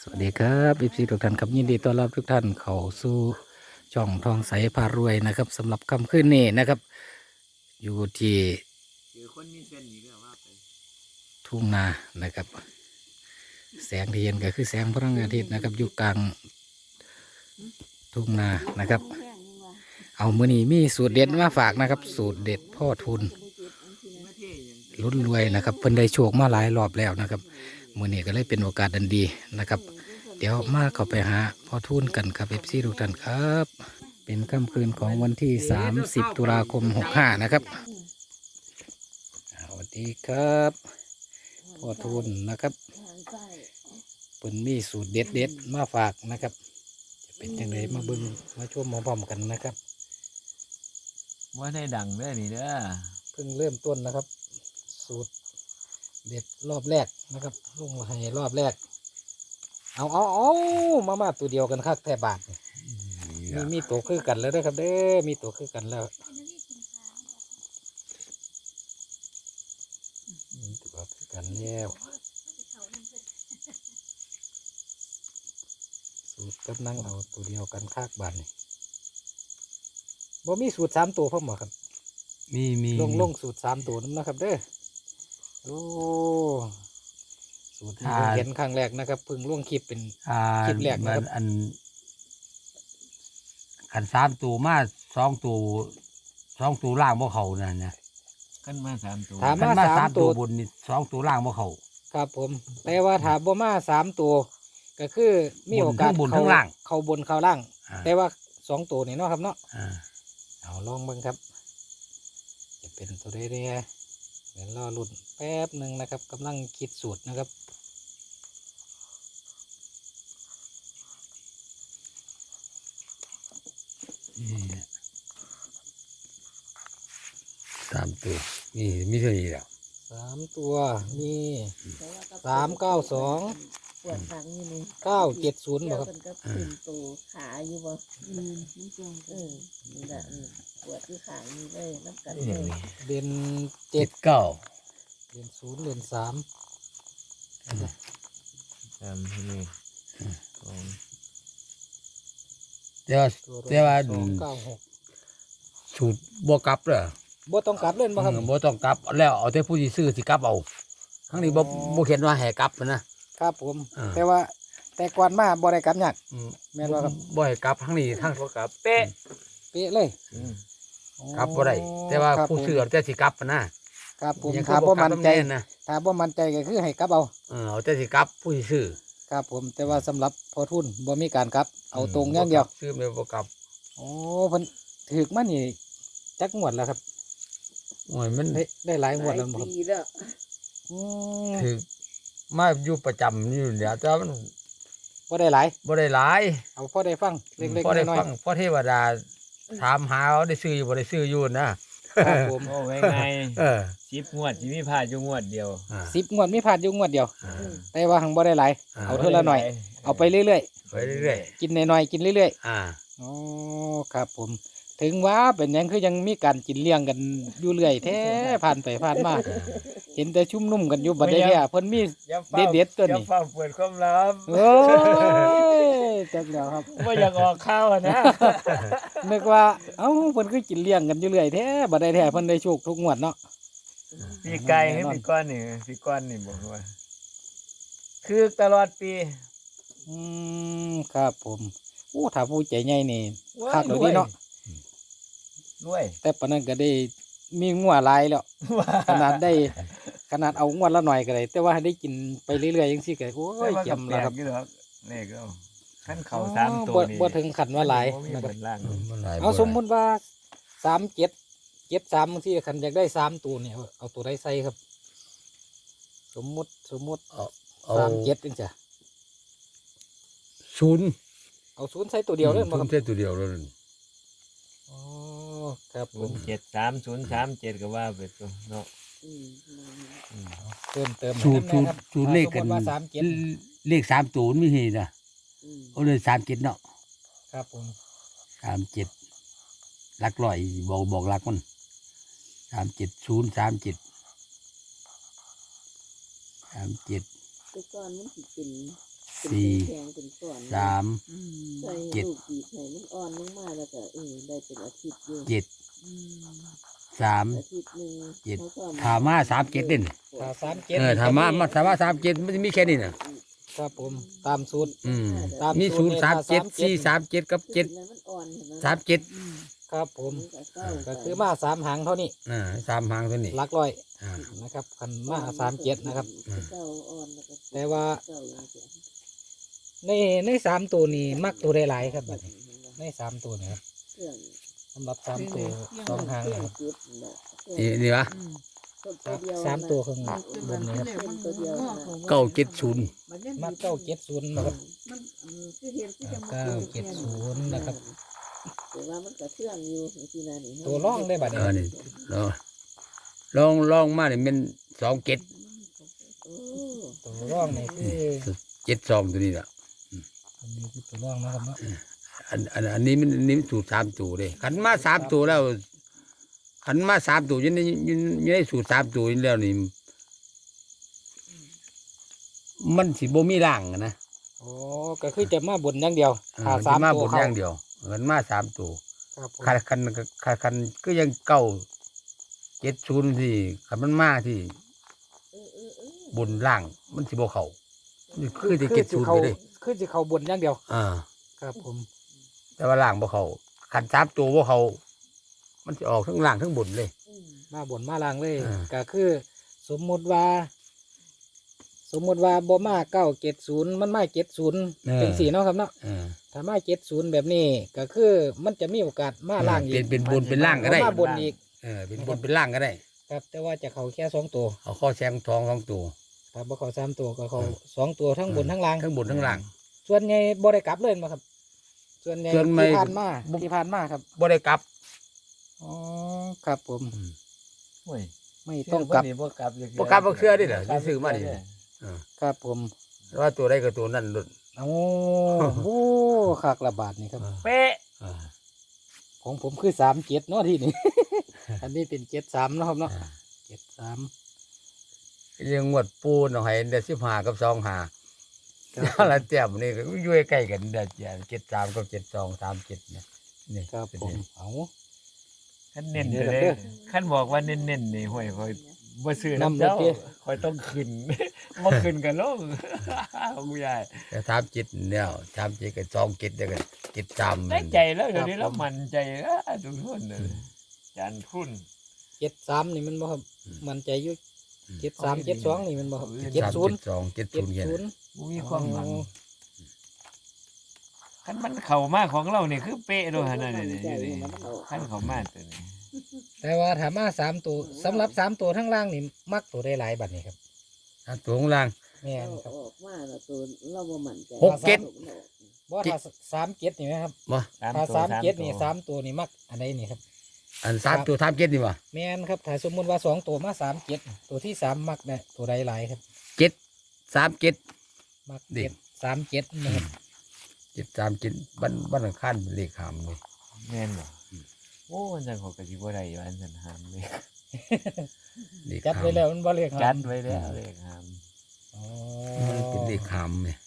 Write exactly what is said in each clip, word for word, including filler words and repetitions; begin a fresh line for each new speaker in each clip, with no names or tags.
สวัสดีครับอีพีทุกท่านครับยินดีต้อนรับทุกท่านเข้าสู่ช่องทองใสพารวยนะครับสำหรับค่ำคืนนี้นะครับ อยู่ที่
คือคนมีเส้นนี่ก็ว่าไป
ทุ่งนานะครับ แสงที่เห็นก็คือแสงพระอาทิตย์นะครับอยู่กลางทุ่งนานะครับ เอามือนี้มีสูตรเด็ดมาฝากนะครับ สูตรเด็ดพ่อทุน
ไม่เท่ยัง
ลุ้นรวยนะครับเพิ่นได้โชคมาหลายรอบแล้วนะครับมือนี้ก็เลยเป็นโอกาสดันดีนะครับ เดี๋ยวมาเข้าไปหาพ่อทุนกันครับเอฟซีทุกท่านครับ เป็นค่ำคืนของวันที่สามสิบตุลาคมหกห้านะครับสวัสดีครับพ่อทุนนะครับเพิ่นมีสูตรเด็ดเด็ดๆมาฝากนะครับจะเป็นยังไงมาเบิ่งมาชมมาพร้อมกันนะครับ
ว่าได้ดังเด้อนี่เด้อ
เพิ่งเริ่มต้นนะครับ สูตรเด็ดรอบแรกนะครับลงให้รอบแรก เอาเอาเอามามาตัวเดียวกันครับแท่บาทนี่มีมีตัวคือกันแล้วนะครับเด้อมีตัวคือกันแล้วมีตัวคือกันแล้วสูตรกำลังเอาตัวเดียวกันคากบานนี่บ่มีสูตรสามตัวพ่อหมอครับ
มีมี
ลงลงสูตรสามตัวนั่นนะครับเด้อโอ้สูตรนี้เพิ่งเห็นครั้งแรกนะครับเพิ่งล่วงคลิปเป็น
อ่า
คลิปแรกนะครับ
มันอันขันสามตัวมาสองตัวสองตัวล่างบ่เขานั่นนะ
ขึ้นมาสามตัว
ถาม
ขัน
มา
มา
สา
สาม ม
ตั
ตัว วบนนี่สองตัวล่างบ่เขา
ครับผมแต่ว่าถามบ่มาสามตัว ก็คือมีโอกาส
บน
เข้า
ทั้งล่าง
เข้าบนเข้าล่าง
อ่า
แต่ว่าสองตัวนี่เนาะครับเนาะ
อ่า
เอาลองเบิ่งครับ จะเป็นตัวได้เรียเดี๋ยวรอรุ่นแป๊บหนึ่งนะครับกำลังคิดสูตรนะครับ
นี่แหละสามตัวนี่มีเท่านี้แหล้ว
สามตัวมีสามเก้าสอง
ปวดขานี่นี่
เก้าเจ็ดศูนย์
เกี่
บ่
ยว
ครับ
กันกับตื่นตัวขาอยู่บ่อืมมันจงเออนี่แหละอืมปวดที่ขานี่เลยน้ำกันเลย
เด่น
เจ็
เจ็
ด
ด
เก้า
เด่นศูนย์เด่นสาม
สามที่นี่สอง
แต่ว่า
ตัว
แต่ว่า
สองเก้าหก
สูตรบ่กลับเด้อ
บ่ต้องกลับเล่นบ่ครับ
เออบ่ต้องกลับแล้วเอาแต่ผู้ที่ซื้อสิกลับเอาครั้งนี้บ่
อ๋อ
บ่เขียนว่าให้กลับนะครับ
ผม
อ่า
แต่ว่าแต่ก่อนมาบ่ได้กลับยาก
อืม
แม่นบ่ครับ
บ่ให้กลับครั้งนี้ทั้ง
บ่กลับเป๊ะ
เป๊ะเลย
อืม
กลับบ่ได้แต่ว่า
ครับ
ผู้
ผม
ซื้อเอาแต่สิกลับนะ
ครับผม
ยัง
ถ้าบ่มั่นใจ
กลับนะ
ถ้าบ่มั่นใจก็คือให้กลับเอา
เออเอาแต่สิกลับผู้ที่ซื้อ
ครับผมแต่ว่าสำหรับพอทุนบ่มีการกลับ เอาตรงอย่างเดียว
บ่กลับซื้อไม่บ่กลับ
โอ้เพิ่นถูกมานี่จักงวดแล้วครับ
โอ้ยมัน
ได้ได้หลายง
ห
วด
ลาย
แล้วบ่ครับ
ปีแล้ว
อืม
ถือมาอยู่ประจำอยู่เดี๋ยวแต่ว่ามัน
บ่ได้หลาย
บ่ได้หลาย
เอาพอได้ฟังเล็ก
พอได้
ๆน้อย
ฟังพอเทวดาถามหาว่าได้ซื้ออยู่บ่ได้ซื้ออยู่นะ
ๆครับผม
โอ้ไว้ไง
เออ
สิบงวดสิมีพลาดอยู่งวดเดียว
อ่า
สิบงวดมีพลาดอยู่งวดเดียว
อ่า
แต่ว่าหังบ่ได้หลาย
อ่า
เอาเท่าละหน่อย เอาไปเรื่อย
ไปเรื่อย
ๆกินน้อยๆกินเรื่อย
ๆอ่า
ๆอ๋อครับผม ถึงว่าเป็นหยังคือยังมีการกินเลี้ยงกันอยู่เรื่อยแท้ผ่านไปผ่านมาเห็นแต่ชุ่มนุ่มกันอยู่บัดนี้เนี่ยเพิ่นมี
อย่าฝ้า
เด็ดๆตัวนี้
อย่าเฝ้าเปิดความลับ
โอ้ยจักแล้วครับ
ว่าอยากออกข้าวอะนะ
นึกว่าเอ้าเพิ่นคือกินเลี้ยงกันอยู่เรื่อยแท้บ่ได้แท้เพิ่นได้โชคทุกงวดเนาะ
ปีไก่ให้ปีก้อนนี่ปีก้อนนี่บอกว่า คือตลอดปี
อืมครับผมโอ้ถ้าผู้ใจใหญ่นี่คักเลยดีเนาะ
ด้วย
แต่ปานนั้นก็ได้มีงัวหลายแล้ว ขนาดได้ขนาดเอางวดละหน่อยก็ได้แต่ว่าให้ได้กินไปเรื่อยๆจังซี่ก็โอ้
แต่
ย
ว่า
เจี
กั
ย
บ
ม
แปล
แล้วค
ก
รับ
อยู่หรอกนี่ก็ขั้นเขาสามตัว
บ่
นี่
บ่ถึงขันว่าหลาย
บ่มี
นะค
เห
รับ
มือนล่าง
อืมมันหลาย
เอา
บ่
สมมุติว่าสามเจ็ดเจ็ดสามบางทีขันอยากได้สามตัวเนี่ยเอาตัวใดใส่ครับ สมมุติสมมุติ
เอาเอา
สามเจ็ดจังจ้ะ
ศูนย์
เอาศูนย์ใส่ตัวเดียวเลย
ศู
บ่คน รับ
ย์แค่ตัวเดียวแล้วนั่น
อ๋อครับผ
ศูน
ม
ย์เจ็ดสามศูนย์สามเจ็ดก็ว่าไปตัวเนาะ
อืม
อืม
เติมเติม
สูตร
ให้
สูตร
น้ำนะครับ
สูตรเลขกัน
สมมุติว่าสามเจ็ด
เลขสามตัวมันมีนี่นะ
อืม
เอาเลยสามเจ็ดเนาะ
ครับผม
สามเจ็ดหลักร้อยบอกบอกหลักมันสามเจ็ดศูนย์สามเจ็ดสามเจ็ด
แต่ก่อนมันสิเป็น
สี่
แข็งเป็นก้อน
สาม
อืม
ใส่
เจ็ด
ลูกบีบให้มันอ่อนลงมาแล้วก็เออได้เป็นอาทิตย์อยู่
เจ็ด
อืม
สาม
อาทิตย์หนึง
เจ็ด
เขาก็
ถามมาสามเจ็ดเด่น
ถ้าสามเจ็ด
เออถามมามาถามมาสามเจ็ดมันจะมีแค่นี้น่ะ
ครับผมตามสูตร
อืม
ตาม
มี
สู
ศู
ต
น
ร
ย์
นี่
สามเจ็ด
ถ้า
สี่สามเจ็ดกับเจ็ด
มันอ่อนเห็นไหม
สามเจ็ด
อืม
ครับผม
มันก็เศร้า
ก็คือมาสามหางเท่านี้
อ่าสามหางตัวนี้
หลักร้อย
อ่า
นะครับคันมาสามเจ็ดนะครับ
เศร้าอ่อนแล้วก็
แต่ว่า
เศร้าอย่างเงี้ย
ในในสามตัวนี้มักตัวได้หลายครับบัดนี้ในสามตัวนี้ครับ
เครื่อง
สำหรับสามตัวสองหาง
เครื่
นะ
อง
ครับ
จุดน่ะเค
นี่
รื่อง
นี่วะ
อืม
ตัวเดียว
สามตัวข้าง
มัน
บนนี้ครับ
มัน
ตัวเดียว
งอกของ
เก้าเจ็ดศูนย์
มันยัง
มักเก้าเจ็ดศูนย์นะครับ
มันอืมคือเห็นคือจะมา
เก้าเจ็ดศูนย์นะครับ
แต่ว่ามันก็เครื่องอยู่ที่นั่นนี่
ตัวร่องได้บัด
เอ
นี้
อนี่ลองลองลองมาเนี่ยเป็นสองเจ็ด
โอ้
ตัวร่องนี่คือ
เจ็ดสองตัวนี้แหละ
อันนี้คือตัวร่องนะครับเนาะ
อันอันอันนี้มันอันนี้มันสูตรสามตัวเลยขันมาสามตัวแล้วขันมาสามตัวอยังได้อยังยังได้สูตรสามตัวนี้แล้วนี่มันสิบ่มีร่างอะนะ
โอ้ก็คือจะมาบนอย่างเดียว
เออ
ถ้า
มัน
สา
สิ
ม
มา
ตั
บ
วน
อ
เขา
ย่างเดียวขันมาสามตัว
ครับผม
ขันขันขันขันก็ยังเก่าเจ็ดศูนย์ที่ขันมันมาที่
เออเออเออบ
นล่างมันสิบ่เข้านี่คือจะเจ็ดศูนย์
เขา
ไปเลย
คือจะเขาบนอย่างเดียว
อ่า
ครับผม
แต่ว่าล่างบ่เข้าขันสามตัวบ่เข้ามันจะออกทั้งล่างทั้งบนเลย
อืม
มาบนมาล่างเลย
อ่า
ก็คือสมมุติว่า สมมุติว่าบ่มาเก้าเจ็ดศูนย์มันมาเจ็ดศูนย์เป็นสี่เนาะครับเนาะ
เออ
ถ้ามาเจ็ดศูนย์แบบนี้ก็คือมันจะมีโอกาสมาล่างอี
เป็
ก
นเป็นบนเป็นล่างก็ได้
มาบนอีก
เออเป็นบนเป็นล่างก็ได้
ครับ แต่ว่าจะเขาแค่สองตัว
เอาข้อแซงทองสองตัว
ถ้าบ่เขาสามตัวก็เขา
อืม
สองตัวทั้งบนทั้งล่าง
ทั้งบนทั้งล่าง
ส่วนใหญ่บ่ได้กลับเลยมาครับ ส่วนใหญ่
ส่วนไม่
ที่ผ่านมา
บ่
ที่ผ่านมาครับ
บ่ได้กลับ
อ๋อครับผม
โอ้ย
ไม่ต้องกลับ
ชื่บ่กลับจัก
บ่กลับบ่เชื่อดิเหรอที่ซื้อมาดิ
ครับผม
ว่าตัวใดก็ตัวนั้นหลุด
โอ้โหขากระบาดนี่ครับ
เป๊ะ
อ่า
ของผมคือสามเจ็ดเนาะที่นี่ อันนี้เป็นเจ็ดสามเนาะครับเนาะ
อ่า
เจ็ดสาม
ยังงวดปูนเอาให้เดือนสิบห้ากับสองห้า
ครับ
แล้วแต้มนี่ก็อยู่ใกล้กันเดือนเจ็ดสามกับเจ็ดสองสามเจ็ดเนี่ยนี่
ครับ
เป็น
ผม
นี่
เอา
ขั้นเน้น
เดี๋
ไป
ยว
เล
เด้
ย
อ
ขั้นบอกว่าเน้นๆนี่ห่วยคอยบ่ซื้อ
น้ำ
น้ำเจ้า
เด้อ
คอยต้องขึ้น บ่ขึ้นกันลง ของยาย
แต่สามเจ็ดเนี่ยสามเจ็ดกับสองเจ็ดเดียวกันเจ็ดสาม
ได้ใจแล้วเดี๋ยวนี้เรามั่นใจแล้วทุกคนน่ะจานคุณ
เจ็ดสามนี่มันบ่ครับ มันใจอยุ่เจ็ดสามเจ็ดสองนี่มันบ่ครับ
เจ็
เจ็
ด
ด
สาม
ศูนย์
เจ็ดสองเจ็ด
เจ็
ศู
ด
นย์เนี่ย
ศูนย์
บ่มีความหวังขั้นมันเข้ามาของเรานี่คือเป๊ะด้วยหั่นน่ะนี่นี่อยู่นี่ขั้นเข้ามาตัวนี้
แต่ว่าถามมาสามตัวสำหรับสามตัวทั้งล่างนี่มักตัวได้หลายบัดนี้ครับ
อ่ะตัวข้างล่าง
แม่น
เอา
ครับ
ออกมาแล้วตัวเราบ่มั่นใจ
หกเจ็ด
บ่ถ้าสามเจ็ดนี่ไหมครับ
บ่
ถ้า
ตัว
สามเจ็ดนี่
ตัว
สามตัวนี่มักอันใดนี่ครับ
อันสามตัวสามเจ็ดนี่วะ
แม่นครับถ้าสมมุติว่าสองตัวมาสามเจ็ดตัวที่สามมักเนี่ยตัวใดหลายครับ
เจ็ดสามเจ็ด
มัก
เด็
เจ็
ก
ดสามเจ็ดนะครับ
เจ็ดสามเจ็ดบ้านบ้านอังคารเป็นเลขหามเลย
แม่นบ่โอ้มันจังเขาก็สิบ่ได้อยู่อันนั้นหามเลย
เลข
จัด
หาม
ไว้แล้วมันบ่เรียก
จัดไว้แล้วเลขหาม
อ๋อ
มันเป็นเลขหามเนี่ย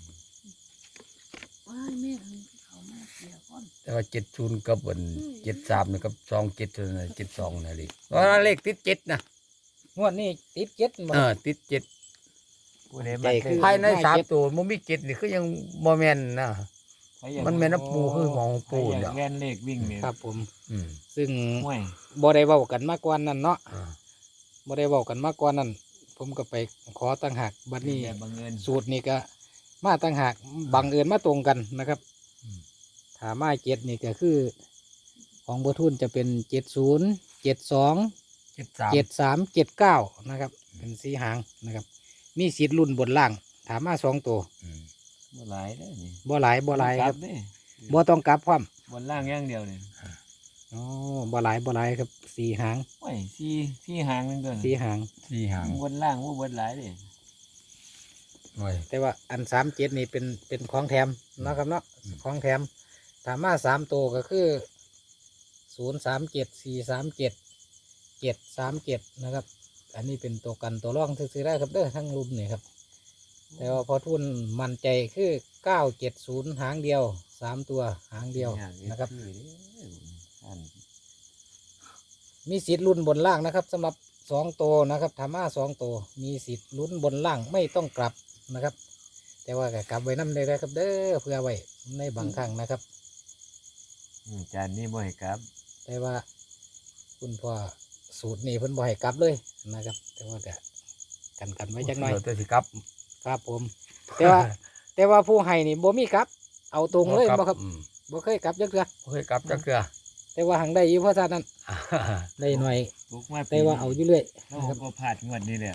ว้ายแม่ทำเขามาเกี่ยวก่อน
แต่ว่าเจ็ดศูนย์กับวันเจ็ดสามนี่กับสองเจ็ดเจ็ดสองนะเลขเพราะว่าเลขติดเจ็ดนะ
งวดนี้ติดเจ็ดบ่
เออติดเจ็ด
ผู้ใด
ใจ
มัน
คือ
ภายในสามตัวมันมีเจ็ดนี่คือยังโมเมนนะ มันแม่นน้ำปูคือหมองปู
ปู
เนี่ย
แล่นเลขวิ่งนี่
ครับผม
อืม
ซึ่ง
ห่วย
บ่ได้เว้ากันมาก่อนนั่นเนาะ
อ่า
บ่ได้เว้ากันมาก่อนนั่นผมก็ไปขอตั้งหากบัดนี้
แต่บังเอิญ
สูตรนี่ก็มาตั้งหากบังเอิญมาตรงกันนะครับถ้ามาเจ็ดนี่ก็คือ ของบัวทุนจะเป็นเจ็ดศูนย์เจ็ดสอง
เจ็ดสาม
เจ็ดสามเจ็ดเก้านะครับ เป็นสีหางนะครับ มีสิทธิ์รุ่นบนล่างถามมาสองตัว
อืม
บ่หลายเด้อนี่
บ่หลายบ่หลายครับ
เด้
บ่ต้องกลับความ
บนล่างอย่างเดียวนี่
อ๋อบ่หลายบ่หลายครับสี่หาง
โอ้ยสี่สี่หางนึงตัว
สี่หาง
สี่หาง
บนล่างบ่บนหลายเด้
หน่อย
แต่ว่าอันสามเจ็ดนี่เป็นเป็นของแถมเนาะครับเนาะของแถมถามมาสามตัวก็คือศูนย์สามเจ็ดสี่สามเจ็ดเจ็ดสามเจ็ดนะครับ อันนี้เป็นตัวกันตัวร่องซื้อๆได้ครับเด้อทั้งรุมนี่ครับแต่ว่าพอทุนมั่นใจคือเก้าเจ็ดศูนย์หางเดียวสามตัวหางเดียวนะครับ
อัน
มีสิทธิ์ลุ้นบนล่างนะครับสำหรับสองตัวนะครับธรรมะสองตัวมีสิทธิ์ลุ้นบนล่างไม่ต้องกลับนะครับ แต่ว่าก็กลับไว้น้ำได้เลยครับเด้อเพื่อไว้ในบางครั้งนะครับ
อืมจานนี้บ่ให้กลับ
แต่ว่าคุณพ่อสูตรนี้เพิ่นบ่ให้กลับเลยนะครับ แต่ว่าก็กันกันไว้จักหน่อย
ตัวสิครับ
ครับผม แต่ว่า แต่ว่าผู้ให้นี่บ่มีกลับ เอาตรงเลยบ่ครับ
อืม
บ่เคยกลับจักเทื่อ
บ่เคยกลับจักเทื่อ
แต่ว่าหังได้อยู่เพราะฉะนั้นได้หน่อย
ตกมาปี
แต่ว่าเอาอยู่เรื่อย
เรา
นะครับ
ก็ผ่านงวดนี้แหละ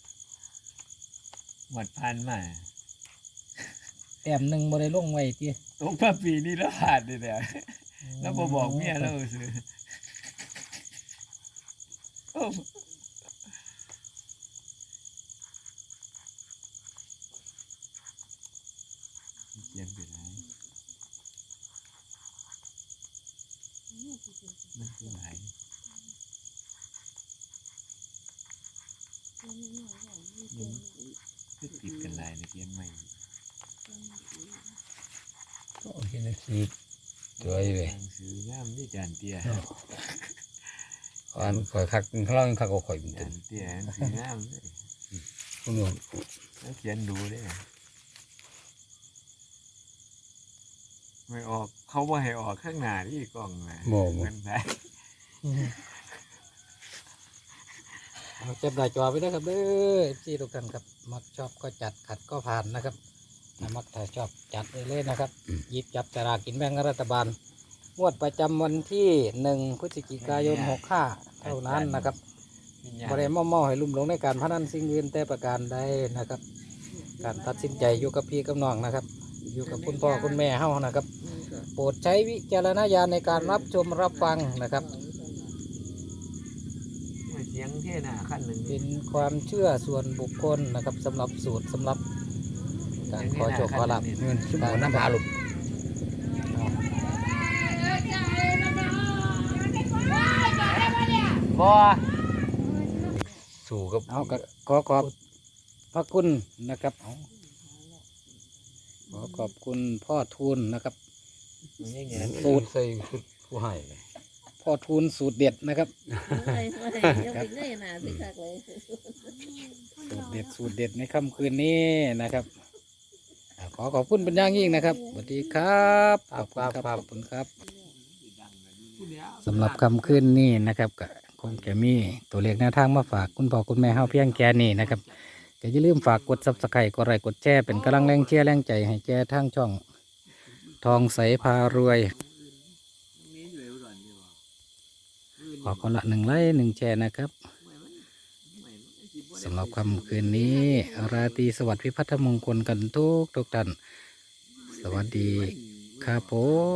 งวดผ่านมา
แต้มหนึงบ่ได้ลงไว้ติ
ตกมาปีนี้แล้วผ่านนี่แหละแล้วบ่บอกเมียเราซื้อโอ้เขียนไปไหนมันคือไหนมันคือติดกันหลายในเขียนใหม่
โอเคนะสิสวยเลย
หนังสืองามที่จานเตี้ย
อันข่อยคักเขาเล่าคักก็ข่อยเป็น
จา
ตัวน
เตี้ยหนังสืองามเลย
คุณผู้ชม
แล้วเขียนดูได้ไม่ออกเขาว่าให้ออกข้างหน้าที่กล้องนะ
บ่บ่
มันได้
เอาเก็บหน้าจอไว้นะครับเด้อ เอฟ ซี ทุกท่านครับมักชอบก็จัดขัดก็ผ่านนะครับถ้ามักถ้าชอบจัดเลยเลยนะครับหยิบจับสลากกินแบ่งรัฐบาลงวดประจำวันที่หนึ่งพฤศจิกายนหกห้าเท่านั้นนะครับบริเวณม่อให้ลุ่มหลงในการพนันสิ่งอื่นแต่ประการใดนะครับ การตัดสินใจอยู่กับพี่กับน้องนะครับ อยู่กับคุณพ่อคุณแม่เฮานะครับ โปรดใช้วิจารณญาณในการรับชมรับฟังนะครับ
เสียงเท่หน้าขั้นหนึ่ง
เป็นความเชื่อส่วนบุคคลนะครับสำหรับสูตรสำหรับการขอโชคขอลาภ
เงินชั่วโมงน้ำหาลูก
บ่
สู่กับ
เอาก็ขอขอบพระคุณนะครับเอาขอขอบคุณพ่อทูลนะครับ
ยังไง
สูตรใส่ชุดผู้ให้
พ่อทูลสูตรเด็ดนะครับ
ไม่ไม่ยังไปเงยหน้าสิคักเลย
สูตรเด็ดสูตรเด็ดในค่ำคืนนี้นะครับอ่าขอขอบคุณเป็นอย่างยิ่งนะครับสวัสดีครับขอบคุณครับขอบคุณครับสำหรับค่ำคืนนี้นะครับก็คงจะมีตัวเลขแนวทางมาฝากคุณพ่อคุณแม่เฮาเพียงแค่นี้นะครับก็อย่าลืมฝากกดซับสไครต์กดไลค์กดแชร์เป็นกำลังแรงเชียร์แรงใจให้แก่ทางช่องทองใสพารวย ขอคนละหนึ่งไลค์หนึ่งแชร์นะครับสำหรับค่ำคืนนี้ราตรีสวัสดิ์พิพัฒนมงคลกันทุกทุกท่านสวัสดีครับผม